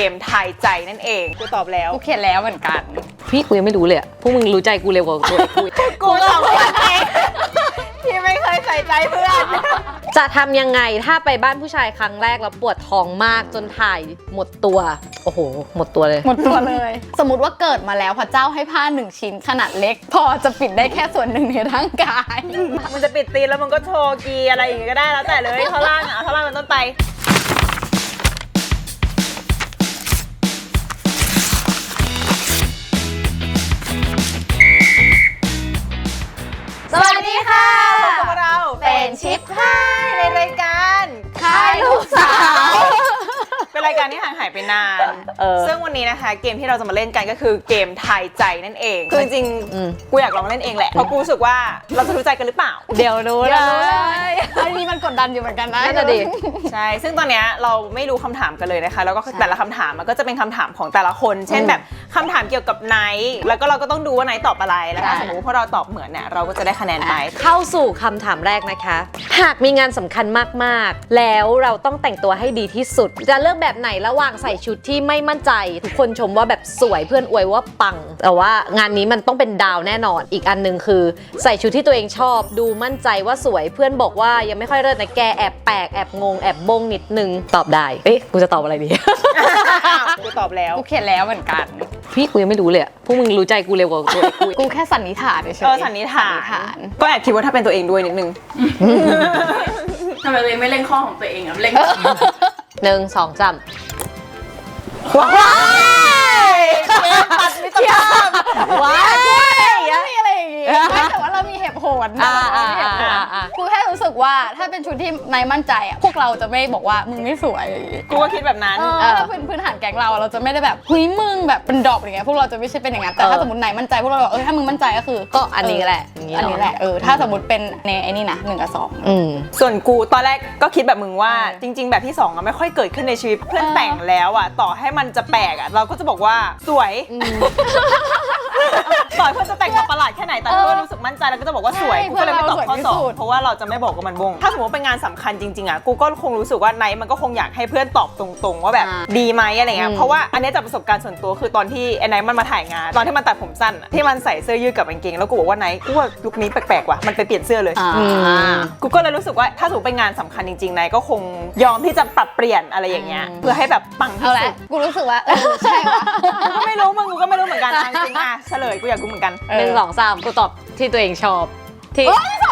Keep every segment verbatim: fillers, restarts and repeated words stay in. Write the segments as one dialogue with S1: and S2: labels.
S1: มทายใจนั่นเองกูตอบแล้ว
S2: กูเขียนแล้วเหมือนกัน
S3: พี่กูยังไม่รู้เลยอะพวกมึงรู้ใจกูเร็วกว่าตัวกู
S1: กูสองคนเองที่ไม่เคยใส่ใจเพื่อน
S3: จะทำยังไงถ้าไปบ้านผู้ชายครั้งแรกแล้วปวดท้องมากจนถ่ายหมดตัวโอ้โหหมดตัวเลย
S2: หมดตัวเลย สมมติว่าเกิดมาแล้วพระเจ้าให้ผ้าหนึ่งชิ้นขนาดเล็ก พอจะปิดได้แค่ส่วนหนึ่งในร่างกาย
S1: มันจะปิดตีนแล้วมันก็โชว์กีอะไรอย่างงี้ก็ได้แล้วแต่เลยเท่าล่างอ่ะเท่าล่างเป็นต้นไป
S2: สวัสดีค่ะ
S1: พบกับเรา
S2: เป็นชิปค่าย
S1: ในรายการ
S2: ค่ายลูกสาว
S1: เป็นรายการที่ห่างหายไปนาน
S3: เออ
S1: ซึ่งวันนี้นะคะเกมที่เราจะมาเล่นกันก็คือเกมทายใจนั่นเองคือจริง
S3: อืม
S1: ๆกูอยากลองเล่นเองแหละเพราะกูรู้สึกว่าเราจะรู้ใจกันหรือเปล่า
S3: เดี๋ยวรู้เลย
S2: อันนี้มันกดดันอยู่เหมือนกันนะ
S3: น่าจะดี
S1: ใช่ ซึ่งตอนเนี้ยเราไม่รู้คำถามกันเลยนะคะ แล้วก็แต่ละคำถามมันก็จะเป็นคำถามของแต่ละคน เช่นแบบคำถามเกี่ยวกับไนท์แล้วก็เราก็ต้องดูว่าไนท์ตอบอะไร แล้วถ้าสมมติว่าพวกเราตอบเหมือนเนี่ยเราก็จะได้คะแนนไป
S3: เข้าสู่คำถามแรกนะคะ หากมีงานสำคัญมากๆ แล้วเราต้องแต่งตัวให้ดีที่สุด จะเลือกแบบไหนระหว่างใส่ชุดที่ไม่มั่นใจ ทุกคนชมว่าแบบสวยเพื่อนอวยว่าปัง แต่ว่างานนี้มันต้องเป็นดาวแน่นอน อีกอันหนึงคือ ใส่ชุดที่ตัวเองชอบ ดูมั่นใจว่าสวยเพื่อนบอกว่ายังไม่ค่อยเลิศนะแกแอบแปลกแอบงงแอบบงนิดนึงตอบได้เอ๊ะกูจะตอบอะไรดี
S1: กูตอบแล้ว
S2: กูเขียนแล้วเหมือนกัน
S3: พี่กูยังไม่รู้เลยอะพวกมึงรู้ใจกูเร็วกว่าตัวกู
S2: กูแค่สันนิษฐานเฉยๆ
S1: เออสันนิษฐาน ก็แอบคิดว่าถ้าเป็นตัวเองด้วยนิดนึง
S4: ทำไมตัวเองไม่เล่นข้อของตัวเองอ่ะเล่น
S3: หนึ่งสองสาม
S1: ว้ายเกมตัดมิตรภาพ
S3: ว้าย
S2: ไม่มีอะไรอย่างงี้ไม่แต่ว่าเรามีเหตุผล
S3: อ่า
S2: เรามีเหตุผล
S3: อ่าอ่า
S2: กูแค่รู้สึกว่าถ้าเป็นชุดที่นายมั่นใจอ่ะพวกเราจะไม่บอกว่ามึงไม่สวย
S1: กูก็คิดแบบนั้น
S2: เออถ้าพื้นพื้นฐานแก๊งเราเราจะไม่ได้แบบหุยมึงแบบเป็นดรอปอย่างเงี้ยพวกเราจะไม่ใช่เป็นอย่างนั้นแต่ถ้าสมมตินายมั่นใจพวกเราบอกเออถ้ามึงมั่นใจก็คือ
S3: ก็อันนี้แหละย่าง
S2: อันนี้แหละเออถ้าสมมติเป็นในไอ้นี่นะหนึ่งกับสอง
S3: อืม
S1: ส่วนกูตอนแรกก็คิดแบบมึงว่าจริง ๆ แบบที่สองอะไม่ค่อยเกิดขึ้นในชีวิตเพื่อนแต่งแล้วอะต่อให้มันจะแปลกอะเราก็จะบอกว่าสวยต่อให้เพื่อนจะแต่งมาประหลาดแค่ไหนแต่เพื่อนรู้สึกมั่นใจแล้วก็จะบอกว่าสวยกูก็เลยไม่ตอบข้อสองเพราะว่าเราจะไม่บอกว่ามันบงถ้าสมมติเป็นงานสำคัญจริงๆอะกูก็คงรู้สึกว่าไนท์มันก็คงอยากให้เพื่อนตอบตรงๆว่าแบบดีไหมอะไรเงี้ยเพราะว่าอันนี้จากประสบการณ์ส่วนตัวคือตอนที่ไอ้ไนท์มันมาถ่ายงานตอนที่มันตัดผมสั้นอะที่มันใส่เสื้อยืดกับกางเกงแล้วกูบอกว่าไนท์กูว่าลุคนี้แปลกๆว่ะมันไปเปลี่ยนเสื้อเลย กูก็เลยรู้สึกว่าถ้าสมมติเป็นงานสำคัญจริงๆนายก็คงยอมที่จะปรับเปลี่ยนอะไรอย่างเงี้ยเพื่อให้แบบปังที่
S2: เอาละ
S1: สุด
S2: กูรู้สึกว่าเออใช่ว่ะ
S1: กูก็ไม่รู้มึงกูก็ไม่รู้เหมือนกันอ่ะจริงๆอ่ะเฉลยกูอยากรู้เหมือนกัน
S3: หนึ่งสองสามกูตอบที่ตัวเองชอบที่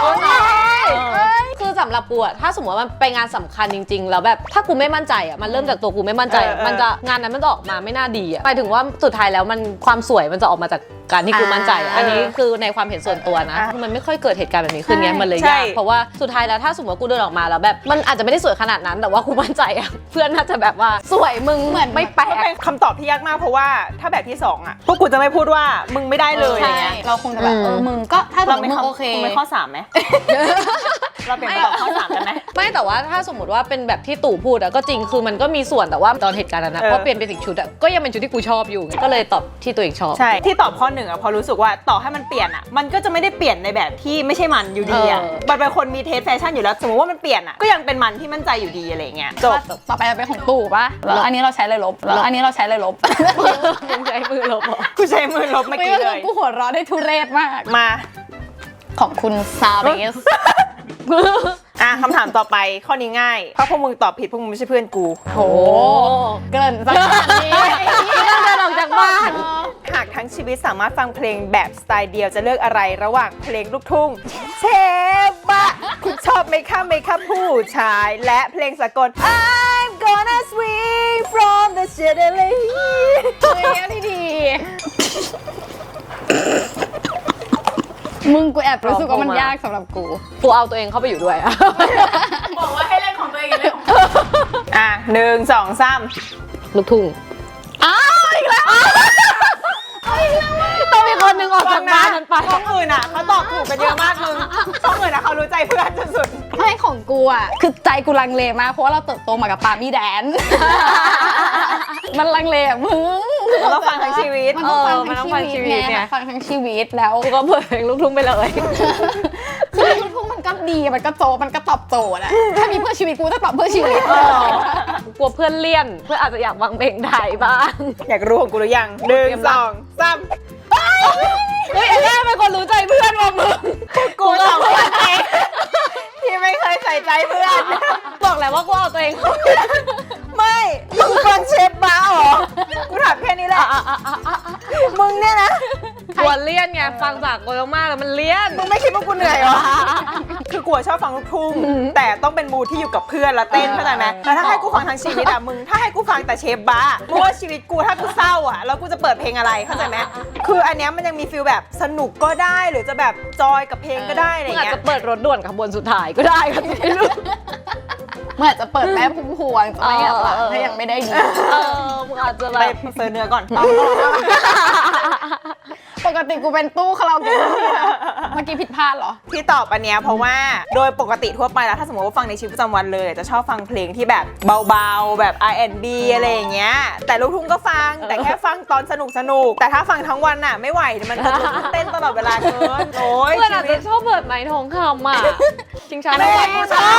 S3: คือสำหรับกูอะถ้าสมมติว่ามันไปงานสำคัญจริง ๆ แล้วแบบถ้ากูไม่มั่นใจอะมันเริ่มจากตัวกูไม่มั่นใจอะ
S1: เออเออ
S3: มันจะงานนั้นมันจะออกมาไม่น่าดีอะหมายถึงว่าสุดท้ายแล้วมันความสวยมันจะออกมาจากการที่กูมั่นใจอะอันนี้คือในความเห็นส่วนตัวนะคือมันไม่ค่อยเกิดเหตุการณ์แบบนี้ขึ้นไงมันเลยยากเพราะว่าสุดท้ายแล้วถ้าสมมติว่ากูเดินออกมาแล้วแบบมันอาจจะไม่ได้สวยขนาดนั้นแต่ว่ากูมั่นใจอะเพื่อนน่าจะแบบว่าสวยมึงเหมือนไม่แปล
S1: ก็
S3: ก
S1: เป็นคำตอบที่ยากมากเพราะว่าถ้าแบบที่สองอ่ะพวกกูจะไม่พูดว่ามึงไม่ได้เลยอย่าง
S2: ใช่
S1: เงี้ย
S2: เราคงจะแบบ
S3: อืม
S2: เออมึงก็ถ้าสม
S1: เรา
S2: มติ
S1: ไม่
S2: มึง
S1: ข้อ
S2: โอเค
S1: มึงไม่ข้อสามไหมเราเปลี่ยนเป็นตอบข้อสามกันไหม
S3: ไม่แต่ว่าถ้าสมมติว่าเป็นแบบที่ตู่พูดอะก็จริงคือมันก็มีส่วนแต่ว่าตอนเหตุการณ์นั้นนะ
S1: เออ
S3: พอเปลี่ยนเป็นอีกชุดอะก็ยังเป็นชุดที่กูชอบอยู่ไงก็เลยตอบที่ตัวเองชอบ
S1: ใช่ที่ตอบข้อหนึ่งอ่ะเพอรู้สึกว่าต่อให้มันเปลี่ยนอ่ะมันก็จะไม่ได้เปลี่ยนในแบบที่ไม่ใช่มันอยู่ดีอ่ะ
S3: เออ
S1: มันเป็นคนมีเทสแฟชั่นอยู่แล้วสมมติว่ามันเปลี่ยนอ่ะก็ยังเป็นมันที่มั่นใจอยู่ดีอะไรเงี้ยจบ
S2: ต่อไปเป็นของตู่ปะแล้วอันนี้เราใช้เลยลบแล้วอันนี้เราใช้เลยลบ
S3: มึงใช้มือลบเหรอ
S1: กูใช้มือลบเมื่อกี้เลย
S2: กูหัวเราะได้ทุเรศมาก
S1: มา
S2: ของคุณซาเรส
S1: อ่ะคำถามต่อไปข้อนี้ง่ายเพราะพวกมึงตอบผิดพวกมึงไม่ใช่เพื่อนกู
S2: โหเกินสักขนาดนี้
S3: เดินออกจากบ้าน
S1: หากทั้งชีวิตสามารถฟังเพลงแบบสไตล์เดียวจะเลือกอะไรระหว่างเพลงลูกทุ่งเชบะคุณชอบไหมคะไหมคะผู้ชาย และเพลงสากล I'm gonna swing from the chandelier
S2: เฮ้ยอันนี้ดี มึงกูแอบรู้สึกว่ามันยากสำหรับกู
S3: กูเอาตัวเองเข้าไปอยู่ด้วยอะ
S4: บอกว่าให้เล่นของตัวเองเล่นของตัวเอง
S1: อ่ะหนึ่งสองสาม
S3: ลูกทุ่ง
S2: อ้าวอีกแล้ว
S3: ต้องมีคนหนึ่งออกจากบ้านนั้นไป
S1: ช่องอื่นอ่ะเขาตอบถูกกันเยอะมากมึงช่องอื่นอ่ะเขารู้ใจเพื่อนจนสุด
S2: ไม่ของกูอ่ะคือใจกูลังเลมากเพราะว่าเราเติบโตมากับปามี่แดน มันลังเลอ่ะมึง
S1: เราต้องฟังทั้งชีวิต
S2: มันต้องฟัง
S3: เออมันต้
S2: ทั้
S3: อง งฟั
S2: ชี
S3: ง
S2: วิต
S3: ชีวิต
S2: ไง
S3: เนี่ย
S2: ฟังทั้งชีวิตแล้ว
S3: กูก็เปิดเพลงลูกทุ่งไปเลย
S2: คือลูกทุ่งมันก็ดีมันก็โจมันก็ตอบโจทย์อะถ้ามีเพื่อชีวิตกูจะตอบเพื่อชีวิต
S3: กลัวเพื่อนเลี่ยนเพื่อนอาจจะอยากฟังเพลงไทยบ้าง
S1: อยากรู้ของกูหรือยังหนึ่งสองสาม
S3: เฮ้ยไอ้แม่เป็นคนรู้ใจเพื่อนว่ะมึง
S1: กูสองคนเองที่ไม่เคยใส่ใจเพื่อน
S3: บอกแล้วว่ากูเอาตัวเองเข้า
S1: ไม่มึงฟังเชฟบ้าเหรอกูถามแค่นี้แหละมึงเนี่ยนะ
S3: กลัวเลี่ยนไงฟังจากกูมากแล้วมันเลี่ยน
S1: มึงไม่คิดว่ากูเหนื่อยเหรอคือกูชอบฟังลูกทุ่งแต่ต้องเป็นมูดที่อยู่กับเพื่อนแล้วเต้นเข้าใจไหมแล้วถ้าให้กูฟังทั้งชีวิตอะมึงถ้าให้กูฟังแต่เชฟบ้ามึงว่าชีวิตกูถ้ากูเศร้าอะแล้วกูจะเปิดเพลงอะไรเข้าใจไหมคืออันเนี้ยมันยังมีฟีลแบบสนุกก็ได้หรือจะแบบจอยกับเพลงก็ได้อะไร
S3: มึงอาจ
S1: เงี้ย
S3: จะเปิดรถด่วนขบวนสุดท้ายก็ได้ก็ไม่รู้
S2: เมื่อจะเปิดแม่พุ่มพวงไม่อยากหลับถ้ายังไม่ได้ยิน
S3: เออมึงอาจจะแบ
S1: ไป
S3: บ
S1: เซิร์ชเนื้อก่อน
S2: ปกติกูเป็นตู้คาราโอเกะเมื่อกี้ผิดพลาดเหรอ
S1: ที่ตอบอันเนี้ยเพราะว่าโดยปกติทั่วไปแล้วถ้าสมมติว่าฟังในชีวิตประจำวันเลยจะชอบฟังเพลงที่แบบเบาๆแบบ อาร์ แอนด์ บี อะไรอย่างเงี้ยแต่ลูกทุ่งก็ฟังแต่แค่ฟังตอนสนุกสนุกแต่ถ้าฟังทั้งวันน่ะไม่ไหวมันจะเต้นตลอดเวลาเกินโอ้ย
S3: เพื่อนอาจ
S1: ชีวิ
S3: จะ
S1: ต
S3: ชอบเปิดไม้ทองคำอ่ะชิงช้า
S1: แม่
S3: แม่
S1: กูชอบ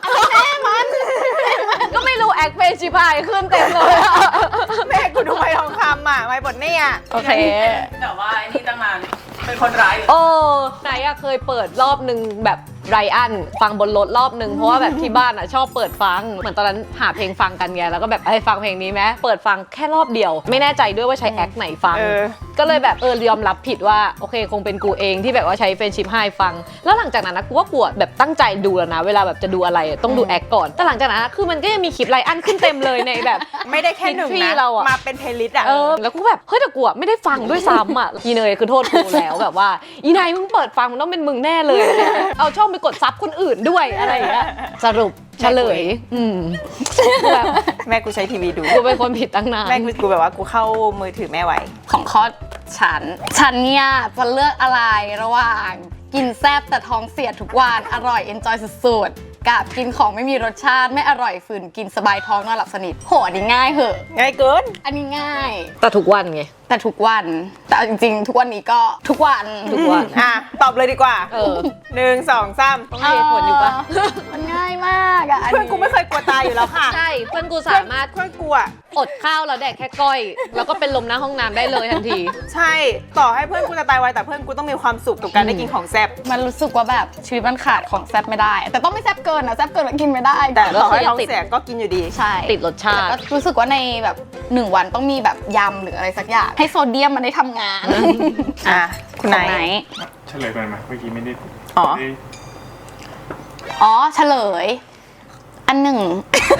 S3: ก็ไม่รู้แอคเพนชิพายขึ้นเต็มเลยอะ
S1: แม่กูดูไม้ทองคำอ่ะไม้บทเนี่ย
S2: โอเค
S4: แต่ว่าไอ้นี่ตั้งนานเป็นคนร้ายอยู่
S3: โอ้ไหนอะเคยเปิดรอบนึงแบบไรอันฟังบนรถรอบนึงเพราะว่าแบบที่บ้านอะชอบเปิดฟังเหมือนตอนนั้นหาเพลงฟังกันไงแล้วก็แบบไอ้ยฟังเพลงนี้ไหมเปิดฟังแค่รอบเดียว ไม่แน่ใจด้วยว่าใช้แอคไหนฟัง
S1: เออ
S3: ก็เลยแบบเออยอมรับผิดว่าโอเคคงเป็นกูเองที่แบบว่าใช้เฟรนชิพไฮฟัง แล้วหลังจากนั้นนะกูว่ากูอะแบบตั้งใจดูแล้วนะเวลาแบบจะดูอะไรอะต้องดูแอคก่อนแต่หลังจากนั้นนะคือมันก็ยังมีคลิปไรอันขึ้นเต็มเลยในแบบ
S1: ไม่ได้แค่หนึ่ง
S3: ฮิต
S1: นะ
S3: ที่เราอะ
S1: มาเป็นเพลย์ลิสต์อ่ะ
S3: เออแล้วกูแบบเฮ้ยแต่กูอะไม่ได้ฟังด้วยซ้ำอ่ะ อีเนยคือโทษกูแล้วแบบว่าอีนายมึงเปิดฟังมันต้องเป็นมึงแน่เลย เอาช่องไปกดซับคนอื่นด้วยอะไรอย่างเงี้ยสรุปเฉลยอืมกูแบบ
S1: แม่กูใช้ทีวีดู
S3: กูเป็นคนผิดตั้งนาน
S1: แม่กูกูแบบว่ากูเข้ามือถือแม่ไว้
S2: ของข้อฉัน ฉันเนี่ยจะเลือกอะไรระหว่างกินแซ่บแต่ท้องเสียทุกวันอร่อยเอนจอยสุดๆกับกินของไม่มีรสชาติไม่อร่อยฝืนกินสบายท้องนอนหลับสนิทโหอันนี้ง่ายเหอะ
S1: ง่ายเกิน
S2: อันนี้ง่าย
S3: แต่ทุกวันไง
S2: แต่ทุกวัน แต่เอาจริงๆ ทุกวันนี้ก็ทุกวัน
S3: ทุกวัน
S1: อ่ะตอบเลยดีกว่า
S3: เออ
S1: หนึ่งสองสาม
S3: ต้องมีเหตุผลอยู่ปะ
S2: เมันง่ายมากอะอัน
S1: เพื่อน
S2: นี้
S1: กูไม่เคยกลัวตายอยู่แล้วค่ะ
S3: ใช่เพื่อนกูสามารถ
S1: เพื่อนกูอ่ะ
S3: อดข้าวแล้วแดกแค่ก้อย แล้วก็เป็นลมหน้าห้องน้ำได้เลยทันที
S1: ใช่ต่อให้เพื่อนกูจะตายไวแต่เพื่อนกูต้องมีความสุขกับการได้กินของแซ่บ
S2: มันรู้สึกว่าแบบชีวิตมันขาดของแซ่บไม่ได้ แต่ต้องไม่แซ่บเกินนะแซ่บเกินมันกินไม่ได้
S1: แต่
S3: ก็
S1: ต่อ
S3: คือ
S1: ให้
S3: ยัง
S1: ท้อง
S3: ติด
S1: เสียก็กินอยู่ดี
S2: ใช่
S3: ติดรสชาติ
S2: แล้วก็รู้สึกว่าในแบบหนึ่งวันต้องมีแบบยำหรืออะไรสักอย่างให้โซเดียมมันได้ทำงาน
S1: อ่ะคุณ
S2: ของ
S1: นาย
S2: ไหน
S5: เฉลยไปไหมเมื่อกี้ไม่ได้
S1: อ๋อ
S5: ไม่ได้
S2: อ๋อเฉลย อันหนึ่ง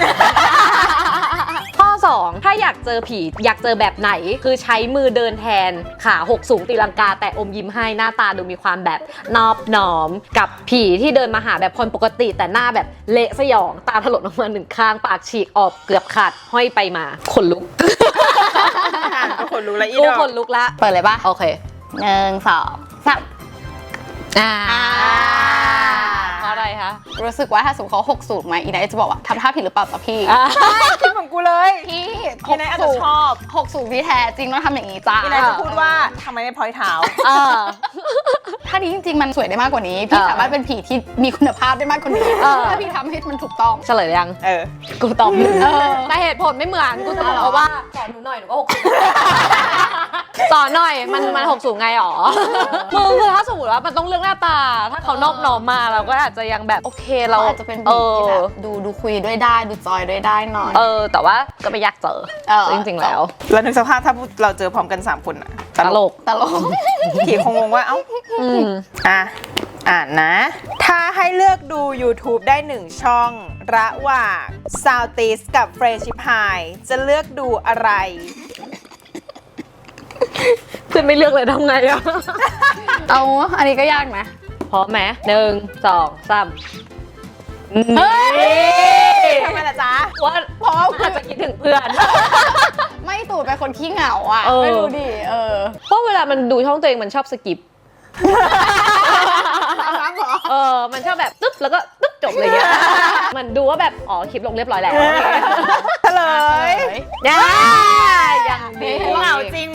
S3: ข้อ สอง ถ้าอยากเจอผีอยากเจอแบบไหน คือใช้มือเดินแทนขาหกสูงตีลังกาแต่อมยิ้มให้หน้าตาดูมีความแบบนอบน้อม กับผีที่เดินมาหาแบบคนปกติแต่หน้าแบบเละสยองตาถลนออกมาหนึ่งข้างปากฉีกออกเกือบขาดห้อยไปมาขนลุก
S1: อ่ะก็ขนลุกแล้วอี
S3: กู
S1: ดอก
S3: ขนลุกละ
S2: เปิดเลยปะ
S3: โอเค
S2: หนึ่งสองสาม
S3: อ่า
S2: อ่า
S3: เพราะอะไรคะ
S2: รู้สึกว่าถ้าสมมติเขาหกสูตรมาอีไนท์จะบอกว่าทำท่าผิดหรือเปล่าจ๊ะพี่
S3: อ่า
S1: ใช่คิดเหมือนกูเลย
S2: พี่
S1: อีไนท์อาจจะชอบ
S2: หกสูตรที่แท้จริงต้องทำอย่างนี้จ้า
S1: อีนายจะพูดว่าทำไมไม่พลอยเท้า
S3: อ่า
S2: ถ้านี้จริงๆมันสวยได้มากกว่านี้ พี่
S3: เออ
S2: สามารถเป็นผีที่มีคุณภาพได้มากกว่านี้
S3: เออ
S2: ถ้าพี่ทำให้มันถูกต้อง
S3: เฉลยยัง
S1: เออ
S3: กูตอบหนึ่ง
S2: เออ
S3: แต่เหตุผลไม่เหมือนกูจะบอก
S2: อ๋อ
S3: ว่าสอนหนูหน่อยหนูก็หกสูงสอนหน่อยมันมันหกสูงไงหรอมึงคือถ้าสมมติว่ามันต้องเลือกหน้าตา ถ้าเขานอบน้อมมาเราก็อาจจะยังแบบโอเคเรา
S2: เราอาจจะเป็น
S3: เอ
S2: ผีที่
S3: อ
S2: แบบดูดูคุยด้วยได้ดูจอยด้วยได้หน่อย
S3: เออ แต่ว่าก็ไม่อยากเจอ
S2: เออ
S3: จริงๆแล้ว
S1: แล้วนึกสภาพถ้าเราเจอพร้อมกันสามคนอะ
S3: ตลก
S2: ตลก
S1: ผีคงงงว่าเอ้า
S3: อืม
S1: อ่ะ อ่านนะ ถ้าให้เลือกดู YouTube ได้หนึ่งช่อง ระหว่าง s o u t i s กับ f r e s h i p i จะเลือกดูอะไร
S3: เพื่อนไม่เลือกเลยทำไงอะ
S2: เอาอันนี้ก็ยากนะ
S3: พร้อมไหมหนึ่งสองสาม
S2: เฮ้ย
S1: ทำไมล่ะจ๊ะ
S3: ว่าพร้อมอาจจะคิดถึงเพื่อน
S2: ไม่ตู่เป็นคนขี้เหงาอ่ะ
S3: เออ
S2: ไม่รู้ดิเออ
S3: เพราะเวลามันดูช่องตัวเองมันชอบสกิป เออ มันชอบแบบตึ๊บแล้วก็ตึ๊บจบเลยเงี้ย มันดูว่าแบบอ๋อคลิปลงเรียบร้อยแล้ว
S1: เฉลย
S3: ย่ายังดี
S1: กูเหงาจริงมึง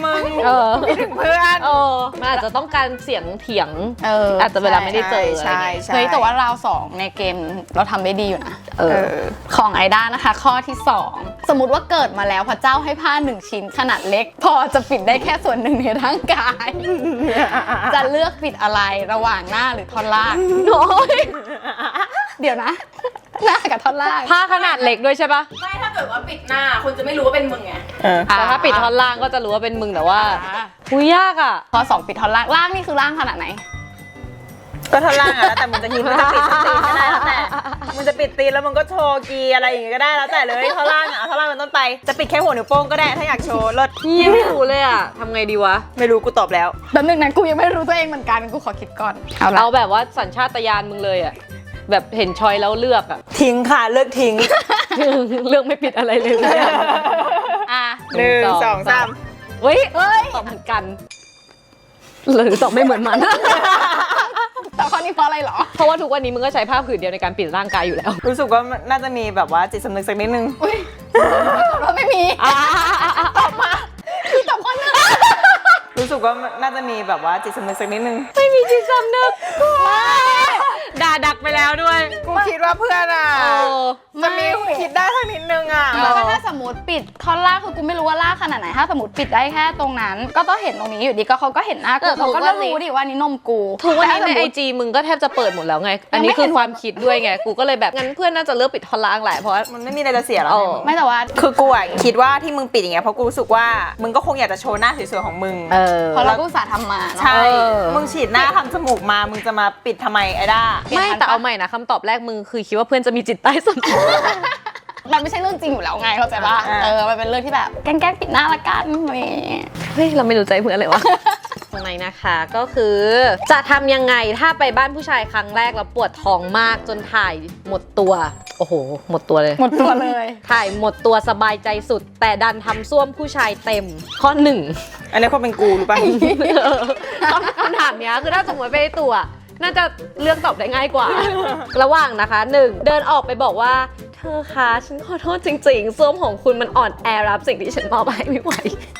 S3: เออ
S1: คิดถึงเพื่อน
S3: เออมันอาจจะต้องการเสียงเถียง
S2: เออ
S3: อาจจะเวลาไม่ได้เจอ
S1: ใช่
S3: อะไรเงี้ย
S1: ใช่
S2: เฮ้ยแต่ว่าราวสองในเกมเราทำได้ดีอยู่นะ
S3: เอ
S1: เอ
S3: อ
S1: อ
S2: ของไอด้านะคะ ข้อที่ สอง สมมุติว่าเกิดมาแล้วพระเจ้าให้ผ้าหนึ่งชิ้นขนาดเล็ก พอจะปิดได้แค่ส่วนหนึ่งในร่างกาย จะเลือกปิดอะไรระหว่างหน้าหรือท่อนล่าง
S3: น้อย
S2: เดี๋ยวนะ หน้ากับท่อนล่าง
S3: ผ้าขนาดเล็กด้วยใช่ปะ
S4: ไม่ถ้าเกิดว่าปิดหน้าคนจะไม่รู้ว่าเป็นมึงไง
S1: เออ
S3: แต่ถ้าปิดท่อนล่างก็จะรู้ว่าเป็นมึงแต่ว่า
S2: อ่า
S3: หุยยากอ่ะ
S2: ข้อสองปิดท่อนล่างล่างนี่คือล่างขนาดไหน
S1: ก็ท่อนล่างอะแล้วแต่มึงจะทีมึงจะปิดตีนก็ได้แล้วแต่มึงจะปิดตีนแล้วมึงก็โชว์กีอะไรอย่างงี้ก็ได้แล้วแต่เลยท่อนล่างอะเอาท่อนล่างเป็นต้นไปจะปิดแค่หัวนิ้วโป้งก็ได้ถ้าอยากโชว์เลิศ
S3: ยี่ไม่รู้เลยอ่ะทำไงดีวะ
S1: ไม่รู้กูตอบแล้ว
S2: แป๊บนึงนะกูยังไม่รู้ตัวเองเหมือนกันกูขอคิดก่อนเอาละ
S3: เอาแบบว่าสัญชาตญาณมึงเลยอ่ะ แบบเห็นชอยแล้วเลือกอ่ะ
S1: ทิ้งค่ะเลิกทิ้ง
S3: เลือกไม่ผิดอะไรเลยเนี่ย
S2: อ่ะ
S1: หนึ่งสองสาม
S3: เฮ้ย
S2: เฮ้ย
S3: ตอบเหมือนกันหรือตอบไม่เหมือนมัน
S2: แต่ข้อนี้เพราะอะไรเหรอ
S3: เพราะว่าทุกวันนี้มึงก็ใช้ผ้าผืนเดียวในการปิดร่างกายอยู่แล้ว
S1: รู้สึกว่าน่าจะมีแบบว่าจิตสำนึกสักนิดนึง
S2: อุ้ยเราไม่มีตอบมาพี่ตอบข้อหนึ่ง
S1: รู้สึกว่าน่าจะมีแบบว่าจิตสำนึกสักนิดนึง
S3: ไม่มีจิตสำนึกด่าดักไปแล้วด้วย
S1: กูคิดว่าเพื่อนอ่ะ
S3: เออ
S1: จะมีคิดได้สักนิดนึงอ่ะ
S2: แล้วก็ถ้าสมมติปิดท่อนล่างคือกูไม่รู้ว่าล่างขนาดไหนถ้าสมมติปิดได้แค่ตรงนั้น ก็ต้องเห็นตรงนี้อยู่ดีก็เขาก็เห็นหน้ากูเขาก็ต้องรู้ดิว่านี่นมกู
S3: ทุกวันนี้ใน
S2: แต่
S3: ไอ
S2: ถ้าสมมุติ
S3: จีมึงก็แทบจะเปิดหมดแล้วไง อันนี้คือความคิดด้วยไง กูก็เลยแบบงั้นเพื่อนน่าจะเลือกปิดท่อนล่างแหละเพราะว่า
S1: มันไม่มีอะไรจะเสียแล้ว
S3: เออ
S2: ไม่แต่ว่า
S1: คือกูอ่ะคิดว่าที่มึงปิดอย่างเงี้ยเพราะกูรู้สึกว่ามึงก็คงอยากจะโชว์หน้าสวยๆของมึง
S3: เออ
S2: เพราะเราก็อุตส่าห์ทำมาเนาะ
S1: ใช่
S3: เออ
S1: มึงฉีดหน้าทำจมูกมา มึงจะมาปิดทำไมไอ้ด้า
S3: ไม่แต่เอาใหม่นะคำตอบแรกมึงคือคิดว่าเพื่อนจะมีจิตใต้สำนึก
S2: มันไม่ใช่เรื่องจริงอยู่แล้วไงเข้าใจป่ะ
S1: อ่า
S2: เออมันเป็นเรื่องที่แบบแกล้งๆปิดหน้าละกันอะไรอย่างเงี้ย
S3: เฮ้ยเราไม่รู้ใจเพื่อนเลยวะ ตรงไหนนะคะก็คือ จะทำยังไงถ้าไปบ้านผู้ชายครั้งแรกแล้วปวดท้องมากจนถ่ายหมดตัว โอ้โห หมดตัวเลย
S2: หมดตัวเลย
S3: ถ่ายหมดตัวสบายใจสุด แต่ดันทำส้วมผู้ชายเต็ม ข้อหนึ่ง
S1: อันนี้คนเป็นกูรู้ป่ะ
S3: คำคำถามเนี้ยคือถ้าสมมติไปในตัว น่าจะเลือกตอบได้ง่ายกว่า ระหว่างนะคะหนึ่งเดินออกไปบอกว่า เธอคะฉันขอโทษจริงๆส้วมของคุณมันอ่อนแอรับสิ่งที่ฉันมอบให้ไม่ไหว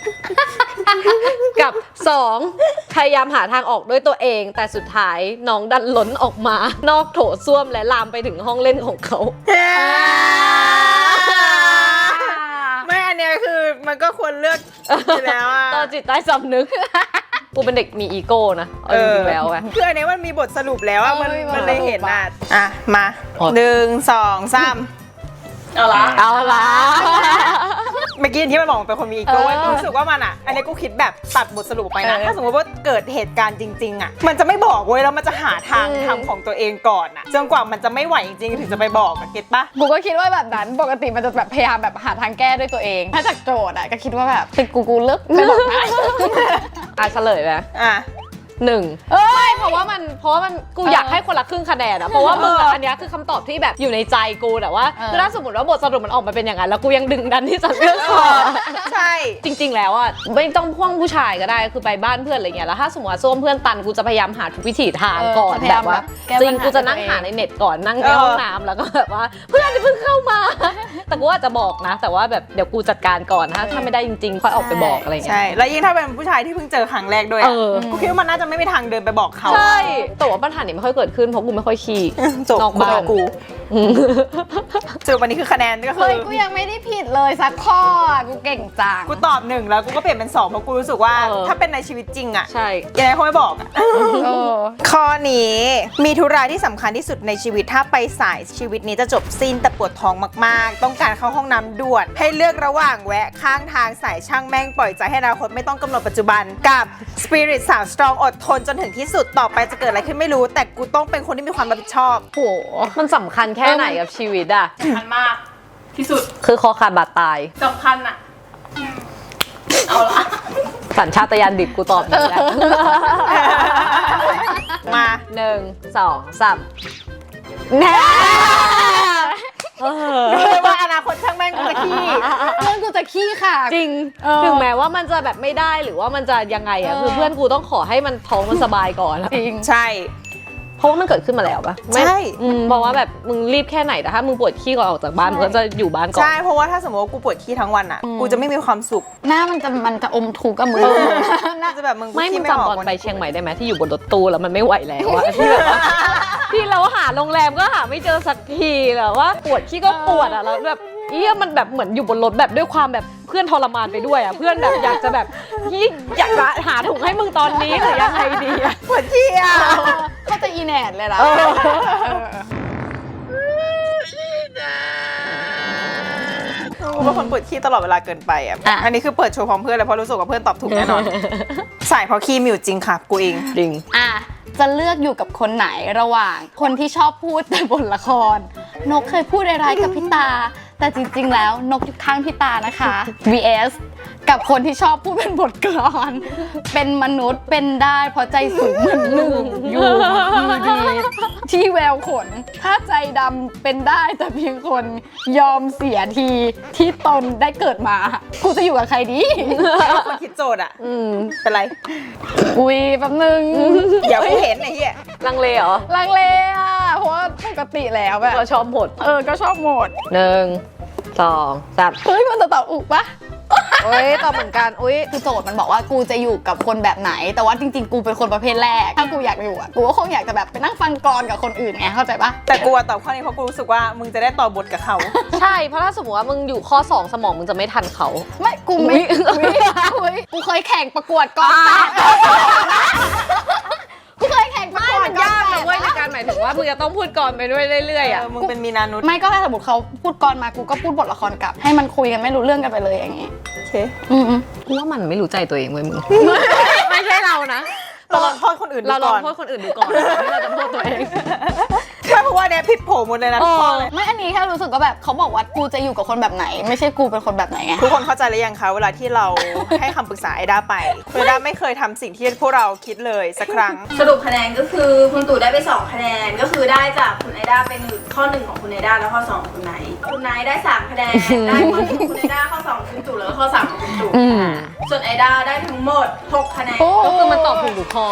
S3: กับสองพยายามหาทางออกด้วยตัวเอง แต่สุดท้ายน้องดันล้นออกมานอกโถส้วมและลามไปถึงห้องเล่นของเขา
S1: ไม่อันเนี้ยคือมันก็ควรเลือกอยู่แล้วอ่ะ
S3: ต่อจิตใต้สำนึก กูเป็นเด็กมีอีโก้นะเอาจริงๆแล้วอะ
S1: คืออันเนี้ยมันมีบทสรุปแล้วอ่ะ มัน
S2: เออมีบท
S1: มันเลยเห็น
S2: สรุป
S1: อ่ะ
S2: อะ
S1: อ่ะ มา
S3: อ๋อ
S1: หนึ่งสองสาม
S4: เอาละ
S3: เอาละ
S1: เมื่อกี้ที่มันบอกมันเป็นคนมีอีโก้
S3: เออ
S1: กูรู้สึกว่ามันอ่ะ อันนี้กูคิดแบบตัดบทสรุปไปนะ
S2: เออ
S1: ถ้าสมมติว่าเกิดเหตุการณ์จริง ๆ อ่ะ มันจะไม่บอกเว้ยแล้วมันจะหาทางทำของตัวเองก่อนอ่ะจนกว่ามันจะไม่ไหวจริงๆถึงจะไปบอกอะเก็ตปะ
S2: กูก็คิดว่าแบบนั้นปกติมันจะแบบพยายามแบบหาทางแก้ด้วยตัวเอง ถ้าจากโจทย์อ่ะก็คิดว่าแบบเป็นกูกูเลิกไม่บอกนะ
S3: อ่ะเฉลยไหม
S1: อ่ะ
S3: หนึ่ง
S2: เอ้ย
S3: เพราะว่ามันเพราะว่ามันกู
S2: เออ
S3: อ
S2: อ
S3: ยากให้คนละครึ่งคะแนนอะเพราะว่ามึงอะ
S1: เอออั
S3: อันเนี้ยคือคำตอบที่แบบอยู่ในใจกูแต่ว่า
S2: เออ
S3: คือถ้าสมมติว่าบทสรุปมันออกมาเป็นอย่างนั้นแล้วกูยังดึงดันที่จะเลือกก่อน
S1: ใช่
S3: จริง ๆ แล้วอะไม่ต้องพ่วงผู้ชายก็ได้คือไปบ้านเพื่อนอะไรเงี้ยแล้วถ้าสมมติว่าส้วมเพื่อนตันกูจะพยายามหาทุกวิถีทางก่อน
S2: เออพยายา
S3: แบ
S2: ม
S3: บว่า
S2: แบบแก้
S3: จริง
S2: ปัญหา
S3: กูจะนั่งหาในเน็ตก่อนนั่งในห้องน้ำแล้วก็แบบว่าเพื่อนจะเพิ่งเข้ามา แต่กูอาจจะบอกนะ แต่ว่าแบบเดี๋ยวกูจัดการก่อนนะถ้าไม่ได้จริงๆค่อยออกไปบอกอะไรเงี้ย
S1: ใช่ แล้วยิ่งถ้าเป็นผู้ชายที่เพิ่งเจอครั้งแรกด้วย
S3: เอ
S1: อะ
S3: อ
S1: กูคิดว่ามันน่าจะไม่มีทางเดินไปบอกเขา
S3: ใช่แต่ว่าปัญหานี้ไม่ค่อยเกิดขึ้นเพราะกูไม่ค่อยขี้
S1: จบ
S3: นอกบ้าน
S1: กู
S3: อืม
S1: สรุปวันนี้คือคะแนนก็คื
S2: เฮ้
S1: อ
S2: ยกูยังไม่ได้ผิดเลยสักข้ออ่ะกูเก่งจัง
S1: กูตอบหนึ่งแล้วกูก็เปลี่ยนเป็นสองเพราะกูรู้สึกว่า
S3: เออ
S1: ถ้าเป็นในชีวิตจริงอะ
S3: ใช่
S1: ยังไงเขาไม่บอกอะ
S2: เออ
S1: ข้อนี้มีธุระที่สำคัญที่สุดในชีวิตถ้าไปสายชีวิตนี้จะจบสิ้นแต่ปวดท้องมากๆ ต้องการเข้าห้องน้ำด่วน ให้เลือกระหว่างแวะข้างทางสายช่างแม่งปล่อยใจให้อนาคตไม่ต้องกำหนดปัจจุบันกับสปิริตสาวสตรองอดทนจนถึงที่สุดต่อไปจะเกิดอะไรขึ้นไม่รู้ แต่กูต้องเป็นคนที่มีความรับผิดชอบ
S2: โห
S3: มันสำคัญแค่ไหนกับชีวิตอะ
S4: สำคัญมากที่สุด
S3: คือคอขาดบาดตาย
S4: สำคัญอะเอาละ
S3: สัญชาตญาณดิบกูตอบอย่างนี้แหละ
S1: มา
S3: หนึ่งสองสามแน่
S1: รู้เลยว่าอนาคตช่างแม่งกูจะขี้
S2: เรื่องกูจะขี้ค่ะ
S3: จริง
S2: เออ
S3: ถึงแม้ว่ามันจะแบบไม่ได้หรือว่ามันจะยังไงอะ
S2: เออ
S3: คือเพื่อนกูต้องขอให้มันท้องมันสบายก่อนอะ
S2: จริง
S1: ใช่ เพ
S3: เพราะว่ามันเกิดขึ้นมาแล้วปะไม่
S1: ใช่
S3: อืมเพราะว่าแบบมึงรีบแค่ไหนแต่ถ้ามึงปวดขี้ก่อนออกจากบ้านมึงก็จะอยู่บ้านก่อน
S1: ใช่เพราะว่าถ้าสมมติว่ากูปวดขี้ทั้งวันอ่ะกูจะไม่มีความสุข
S2: หน้ามันจะมันจะอมทุกข์กับมือ
S1: น่าจะแบบมึง
S3: ไม่มึ
S1: ขี้
S3: ง
S1: ไม่อ
S3: จำ
S1: อก
S3: ตอน
S1: วัน
S3: ไปเชียงใหม่ได้ไหมที่อยู่บนรถตู้แล้วมันไม่ไหวแล้วอะที่แบบว่าที่เราหาโรงแรมก็หาไม่เจอสักทีแล้วว่าปวดขี้ก็ปวดอะแล้วแบบเอี้ยมันแบบเหมือนอยู่บนรถแบบด้วยความแบบเพื่อนทรมานไปด้วยอะเพื่อนแบบอยากจะแบบยี่อยากจะหาถุงให้มึงตอนนี้หรือยังไงดีอะ
S1: ปวดขี้อ่ะ
S2: ก็จะอีแหนดเลยล่ะ
S3: เออ
S1: กูเป็นคนปวดขี้ตลอดเวลาเกินไปอ่ะ
S2: อ่ะ
S1: อันนี้คือเปิดโชว์พร้อมเพื่อนเลยเพราะรู้สึกว่าเพื่อนตอบถูกแน่นอน ใส่เพราะขี้มิวจริงค่ะกูเอง
S3: จริง
S2: อ่ะจะเลือกอยู่กับคนไหนระหว่างคนที่ชอบพูดแต่บนละคร นกเคยพูดอะไรกับพี่ตา แต่จริงๆแล้วนกอยู่ข้างพี่ตานะคะ วี เอส กับคนที่ชอบพูดเป็นบทกลอน เป็นมนุษย์เป็นได้เพราะใจสูงเหมือนหนึ่งอยู่ดีๆที่แววขน ถ้าใจดำเป็นได้แต่เพียงคนยอมเสียทีที่ตนได้เกิดมากูจะอยู่กับใครดี
S1: คนคิดโจทย์อ่ะ
S3: อืม
S1: เป็นไร
S2: อุ้ยแป๊บนึง
S1: อย่ากูเห็นไอ้เหี้ย
S3: ลังเลเหรอ
S2: ลังเลอ่ะ เพราะว่าปกติแล้วแบบ
S3: เราชอบหมด
S2: เออ ก็ชอบหมด
S3: หนึ่งสองสาม
S2: เฮ้ย มันจะตอบอุกปะ
S3: โอ้ยตอบเหมือนกันอุ้ย
S2: คือโจทย์มันบอกว่ากูจะอยู่กับคนแบบไหน แต่ว่าจริงๆ กูเป็นคนประเภทแรก ถ้ากูอยากอยู่อ่ะ กูก็คงอยากจะแบบไปนั่งฟังกลอนกับคนอื่นไง เข้าใจปะ
S1: แต่กูอะตอบข้อนี้เพราะกูรู้สึกว่ามึงจะได้ต่อบทกับเขา
S3: ใช่เพราะถ้าสมมติว่ามึงอยู่ข้อสองสมองมึงจะไม่ทันเขา
S2: ไม่ กูไม่อุ๊ยอุ๊ยกูเคยแข่งประกวดกลอนแปดกูเคยแข่งประกวดกลอนแปด
S3: ในการหมายถึงว่ามึงจะต้องพูดก่อนไปด้วยเรื่อยๆ
S1: เอ
S3: อ่ะ
S1: อมึงเป็นมีนานุษย์
S2: ไม่ก็ถ้าสมมติเขาพูดกลอนมา กูก็พูดบทละครกลับ ให้มันคุยกันไม่รู้เรื่องกันไปเลยอย่างงี้
S1: โอเค
S2: อืม
S3: กูว่ามันไม่รู้ใจตัวเองเว้ยมึง ไม่ใช่เรานะ
S1: เราลองโทษคนอื่นดู
S3: เราลอง
S1: ก่อน
S3: โทษคนอื่นดูก่อนที่เราจะโทษตัวเอง
S1: ใช่เพราะว่าเนี่ยผิดโผหมดเลยนะทุกข้อเลย
S2: ไม่อันนี้แค่รู้สึกว่าแบบเขาบอกว่ากูจะอยู่กับคนแบบไหน ไม่ใช่กูเป็นคนแบบไหนไง
S1: ทุกคนเข้าใจหรือยังคะเวลาที่เราให้คำปรึกษาไอด้าไปไอด้าไม่เคยทำสิ่งที่พวกเราคิดเลยสักครั้ง
S4: สรุปคะแนนก็คือคุณตู่ได้ไปสองคะแนนก็คือได้จากคุณไอด้าเป็นข้อหนึ่งของคุณไอด้าแล้วข้อสองของคุณไนท์คุณไนท์ได้สามคะแนนได้ข้อหนึ่งของคุณไอด้าข้อสองของคุณตู่แล้วก็ข้อสามของคุณตู่
S3: อืม
S4: ส่วนไอด้าได้ทั้งหมดหกคะแนน
S3: ก็คือมันตอบถูกทุกข้อ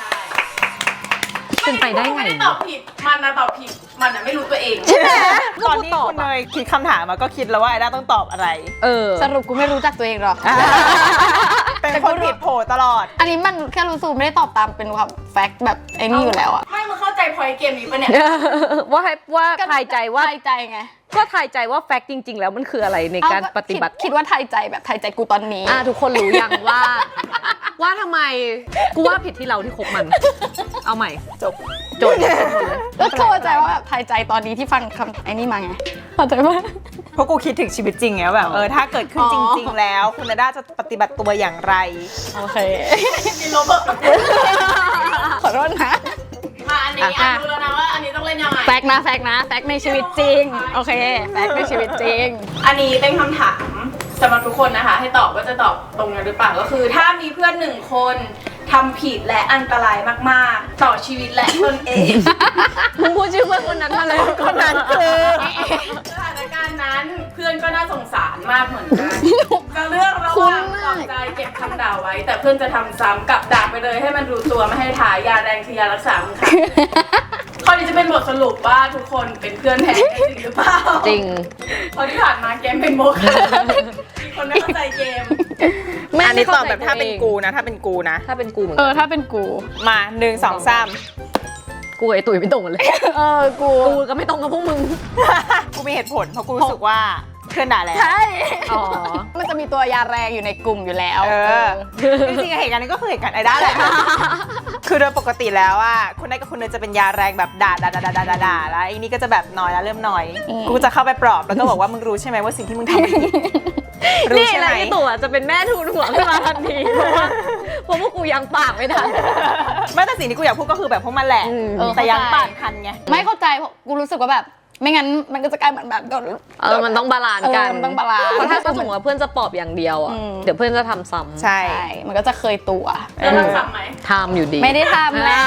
S3: เป็นไปได้ไง
S4: ไม่ได้ตอบผิดมันนะตอบผิดมันนะไม่รู้ตัวเอง
S1: ตอนที่คุณเนยคิดคำถามมาก็คิดแล้วว่าไอด้าต้องตอบอะไร
S3: เออ
S2: สรุปกูไม่รู้จักตัวเองหรอก
S1: เป็นคนผิดโผตลอด
S2: อันนี้มันแค่รู้สึกไม่ได้ตอบตามเป็นความแฟกต์แบบไอ้นี่อยู่แล้วอะ
S4: ไม่มึงเข้าใจพอยเกมนี้ปะเนี่ย
S3: ว่าให้ว่าทายใจว่า
S2: ทายใจไง
S3: ก็ทายใจว่าแฟกต์จริง ๆ แล้วมันคืออะไรในการ
S2: เอ้
S3: ปฏิบัติ
S2: คิดคิดว่าทายใจแบบทายใจกูตอนนี้
S3: อ่ะทุกคนรู้ยังว่า ว่าทำไมกูว่าผิดที่เราที่คบมัน เอาใหม่
S1: จบ
S3: โจทย์เนี่ยเป็นคนเลย
S2: แล้วเข้าใจว่าแบบทายใจตอนนี้ที่ฟังคำไอ้นี่มาไงเข้าใจปะ
S1: เพราะกูคิดถึงชีวิตจริงไงว่าแบบเออถ้าเกิดขึ้น
S2: อ๋อ
S1: จริง ๆ แล้ว คุณไอด้าจะปฏิบัติตัวอย่างไร
S2: โอเค
S4: มีโรเบิร์ต
S2: ขอโทษนะ
S4: มาอันนี้อ่ะรู้แล้วนะว่าอันนี้ต้องเล่นยังไง
S2: แฟกต์นะแฟกต์นะแฟกต์ในชีวิตจริง โอเคแฟกต์ในชีวิตจริง
S4: อันนี้เป็นคำถามสำหรับทุกคนนะคะ ให้ตอบว่าจะตอบตรงกันหรือเปล่าก็คือ ถ้ามีเพื่อนหนึ่งคนทำผิดและอันตรายมากๆ ต่อชีวิตและตนเอง
S3: มึงพูดชื่อเพื่อนคนนั้นมาเลย
S1: คนนั้นคือ
S4: สถานการณ์นั้นเพื่อนก็น่าสงสารมากเหมือนกันจะเลือกระหว่างปลอบใจเก็บคำด่าไว้ แต่เพื่อนจะทำซ้ำกับด่าไปเลยให้มันรู้ตัวไม่ให้ถ่ายยาแรงคือยารักษามึงค่ะ ข้อนี้จะเป็นบทสรุปว่าทุกคนเป็นเพื่อนแท้กันจริงหรือเปล่า
S3: จริง
S4: เพราะที่ผ่านมาเกมเป็นโมฆะมีคนไม่เข้าใจเกม
S1: อันนี้ตอบแบบถ้าเป็นกูนะ ถ้าเป็นกูนะ
S3: ถ้าเป็นกูเหมือน
S2: เอ
S3: กัน
S2: อถ้าเป็นกู
S1: มาหนึ่งสองสาม
S3: กูกับไอ้ตุ๋ยไม่ตรงกันเลย
S2: เออกู
S3: กูก็ไม่ตรงกับพวกมึง
S1: กูมีเหตุผลเพราะกูรู้สึกว่าเพื่อนด่าแล้ว
S2: ใช่
S3: อ๋อ
S2: มันจะมีตัวยาแรงอยู่ในกลุ่มอยู่แล้ว
S1: เออ จริงๆเหตุการณ์นี้ก็คือเหตุการณ์ไอด้าแหละ คือโดยปกติแล้วอ่ะคุณนายกับคุณเนยจะเป็นยาแรงแบบด่าด่าด่าด่าด่าด่าแล้วไอ้นี่ก็จะแบบน้อยแล้วเริ่มน้อย กูจะเข้าไปปลอบแล้วก็บอกว่ามึงรู้ใช่ไหมว่าสิ่งที่มึงทำผิดรู้
S3: นี่
S1: ใช่
S3: แห
S1: ไหม
S3: ละที่ตัวจะเป็นแม่ทูนหัวขึ้นมาทันทีเพราะว่าเพราะว่ากูยังปากไม่ทัน
S1: ไม่แต่สิ่งที่กูอยากพูดก็คือแบบพวกมันแหละ
S3: อืม
S1: แต่ยังปากทันไง
S2: ไม่เข้าใจเพราะกูรู้สึกว่าแบบ ไม่งั้นมันก็จะกลายเหมือนแบบโดน
S3: เออมันต้องบาลานซ์กัน
S2: เออมันต้องบาลานซ์
S3: เพราะถ้าสมมติว่าเพื่อนจะปอบอย่างเดียวอ่ะ
S2: อืม
S3: เดี๋ยวเพื่อนจะทำซ้ำ
S1: ใช่
S2: ใช่ มันก็จะเคยตัว
S4: แล้วเราสั่งไหม
S3: ทำอยู่ดี
S2: ไม่ได้ทำแล้ว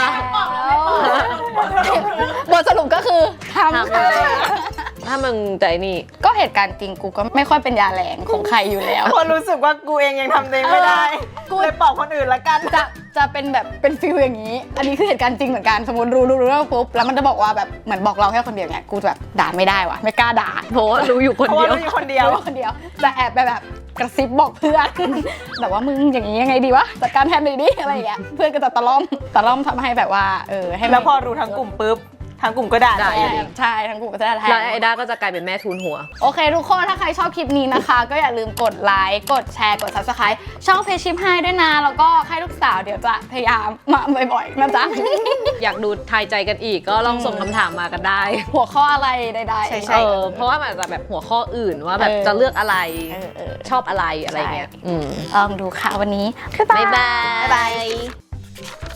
S2: บทสรุปก็คือทำ
S3: ทำอยู่ดีถ้ามึงใจนี่
S2: ก็เหตุการณ์จริงกูก็ไม่ค่อยเป็นยาแรงของใครอยู่แล้ว
S1: คนรู้สึกว่ากูเองยังทำตัวเองไม่ได้
S2: กู
S1: เลยปลอบคนอื่นละกัน
S2: จะจะจะเป็นแบบเป็นฟิลอย่างนี้ อันนี้คือเหตุการณ์จริงเหมือนกันสมมติรู้รู้รู้เรื่องปุ๊บแล้วมันจะบอกว่าแบบเหมือนบอกเราแค่คนเดียวเนี่ยกูจะแบบด่าไม่ได้วะไม่กล้าด่า
S3: เพราะว่ารู้อยู่คน
S1: เพราะ
S3: เดี
S1: ว่า
S3: ยว
S1: เราอยู่คนเดียว
S2: รู้คนเดียวแต่แอบไปแบบกระซิบบอกเพื่อน แบบว่ามึงอย่างนี้ยังไงดีวะจัดการแทนเลยดิอะไรอย่างเงี้ยเพื่อนก็จะตะล่อมตะล่อมทำให้แบบว่าเออให้มัน
S1: แล้วพอรู้ทั้งกลุ่มปุ๊บทางกลุ่มก็ด่า
S3: ด่า
S1: แท
S3: อยู่
S1: น
S3: ดี
S2: ใช่ทั้งกลุ่มก็จะได้แทน
S3: แล้วไอด้าก็จะกลายเป็นแม่ทุนหัว
S2: โอเคทุกคนถ้าใครชอบคลิปนี้นะคะ ก็อย่าลืมกดไลค์กดแชร์กด ซับสไครบ์ ช่องเพจชิปให้ด้วยนะแล้วก็ให้ลูกสาวเดี๋ยวจะพยายามมาบ่อยๆนะจ๊ะ
S3: อยากดูทายใจกันอีกก็ลองส่งคำถามมากันได้
S2: หัวข้ออะไรใดๆ
S1: ใช่
S3: เออเพราะว่ามันอาจจะแบบหัวข้ออื่นว่าแบบ
S2: เออ
S3: จะเลือกอะไร
S2: เออเออ
S3: ชอบอะไรอะไรเงี้ยอืม
S2: ลองดูค่ะวันนี้
S3: บ๊ายบาย
S2: บ๊ายบาย